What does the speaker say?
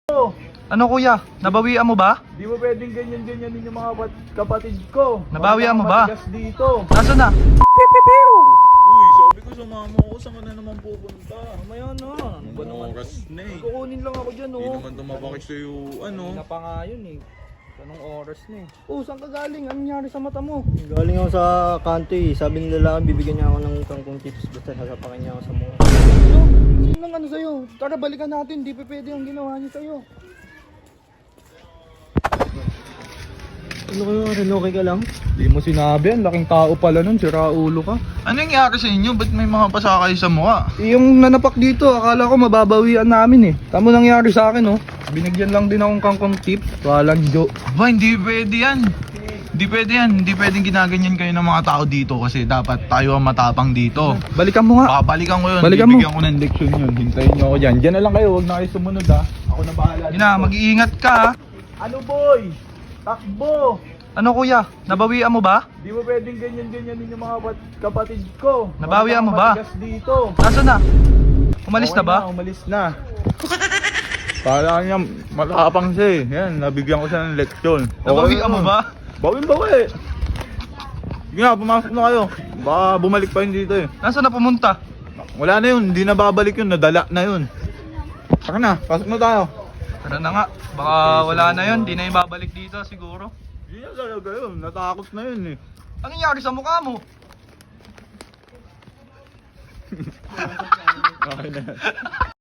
Ano kuya? Nabawian mo ba? Di mo pwedeng ganyan-ganyanin yung mga kapatid ko. Nabawian mo ba? Matigas dito. Nasaan na? Uy, sabi ko sumama ako. Saan ka na naman pupunta? Mamaya na. Ano ba naman? Oras na eh. Kukunin lang ako dyan, Hindi oh. naman tumapakit sa'yo, ano. Na pa nga yun, eh. Anong oras na eh. Oh, saan ka galing? Anong nangyari sa mata mo? Galing ako sa kanto eh. Sabi ng lalaki, bibigyan niya ako ng kangkong tips basta sasapakin niya ako sa mukha. Ano? Sino nang ano sa'yo? Tara, balikan natin. Di pa pwede ang ginawa niya sa'yo. Ano kayo, Ren? Okay ka lang? Hindi mo sinabi, ang laking tao pala nun, sira ulo ka. Ano yung nangyari sa inyo? Ba't may mga pasa kayo sa mukha? Yung nanapak dito, akala ko mababawian namin eh. Tamo nangyari sa akin oh. Binigyan lang din akong kangkong tip. Walang joke. Ba, hindi pwede yan. Hindi pwede yan. Hindi pwedeng ginaganyan kayo ng mga tao dito kasi dapat tayo ang matapang dito. Balikan mo nga. Babalikan ko yun. Balikan mo. Bibigyan ko ng leksyon yun. Hintayin nyo ako dyan. Dyan na lang kayo, huwag na kayo sumunod ha. Ako na bahala. Yun na, mag-iingat ka ha. Ano boy? Takbo! Ano kuya? Nabawian mo ba? Di mo pwedeng ganyan-ganyanin yung mga kapatid ko. Nabawian mo ba? Matigas dito. Nasaan na? Umalis na Okay ba? Umalis na. Kala niya matapang siya eh. Yan, nabigyan ko siya ng leksyon. Nabawian mo ba? Bawin. Sige na, pumasok na kayo. Baka bumalik pa yun dito eh. Nasaan na pumunta? Wala na yun, hindi na babalik yun, nadala na yun. Saka na, pasok na tayo. Tara na nga. Baka wala na yun. Di na yung babalik dito siguro. Hindi na talaga yun, natakot na yun eh. Ano nangyari sa mukha mo? Okay na.